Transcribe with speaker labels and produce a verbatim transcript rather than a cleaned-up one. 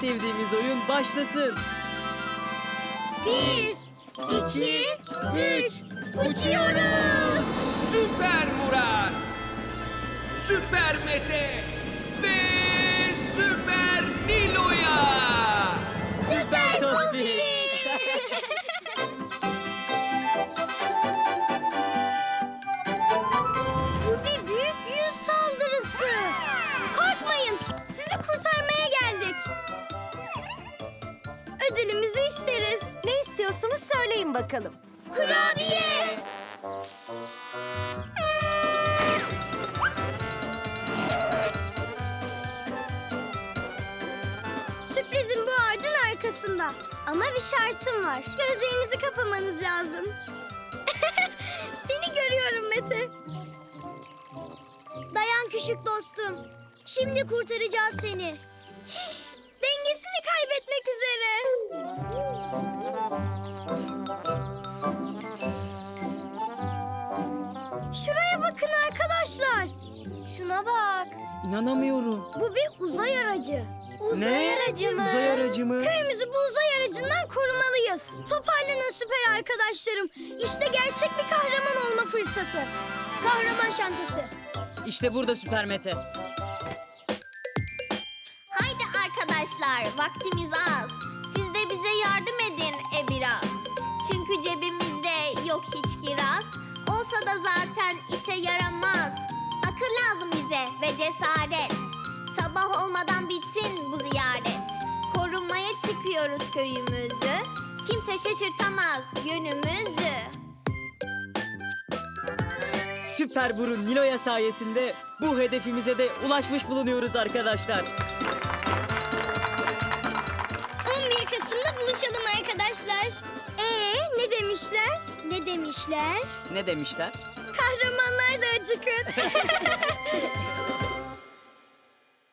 Speaker 1: sevdiğimiz oyun başlasın.
Speaker 2: Bir, iki, üç, uçuyoruz.
Speaker 3: Süper Murat, Süper Mete ve Süper Nilo'ya.
Speaker 2: Süper
Speaker 1: Tospik.
Speaker 2: Bu bir büyük yüz saldırısı. Korkmayın, sizi kurtarmaya geldik. Ödülümüzü isteriz.
Speaker 4: Ne istiyorsanız söyleyin bakalım.
Speaker 2: Kurabiye. Sürprizim bu ağacın arkasında. Ama bir şartım var. Gözlerinizi kapamanız lazım. Seni görüyorum Mete. Dayan küçük dostum. Şimdi kurtaracağız seni. Dengesini kaybetmek üzere. Şuraya bakın arkadaşlar. Şuna bak.
Speaker 1: İnanamıyorum.
Speaker 2: Bu bir uzay aracı. Uzay
Speaker 1: Ne?
Speaker 2: aracı mı?
Speaker 1: Uzay aracı mı?
Speaker 2: Köyümüzü bu uzay aracından korumalıyız. Toparlanın süper arkadaşlarım. İşte gerçek bir kahraman olma fırsatı. Kahraman şantası.
Speaker 1: İşte burada Süper Mete.
Speaker 5: Haydi arkadaşlar, vaktimiz az. Siz de bize yardım edin e biraz. Çünkü cebimizde yok hiç kiraz. Olsa da zaten işe yaramaz. Akıl lazım bize ve cesaret. Sabah olmadan bitsin bu ziyaret. Korumaya çıkıyoruz köyümüzü. Kimse şaşırtamaz yönümüzü.
Speaker 1: Süper Burun Nilo'ya sayesinde bu hedefimize de ulaşmış bulunuyoruz arkadaşlar.
Speaker 2: on bir Kasım'da buluşalım arkadaşlar. Ee, ne demişler? Ne demişler?
Speaker 1: Ne demişler?
Speaker 2: Kahramanlar da acıkır.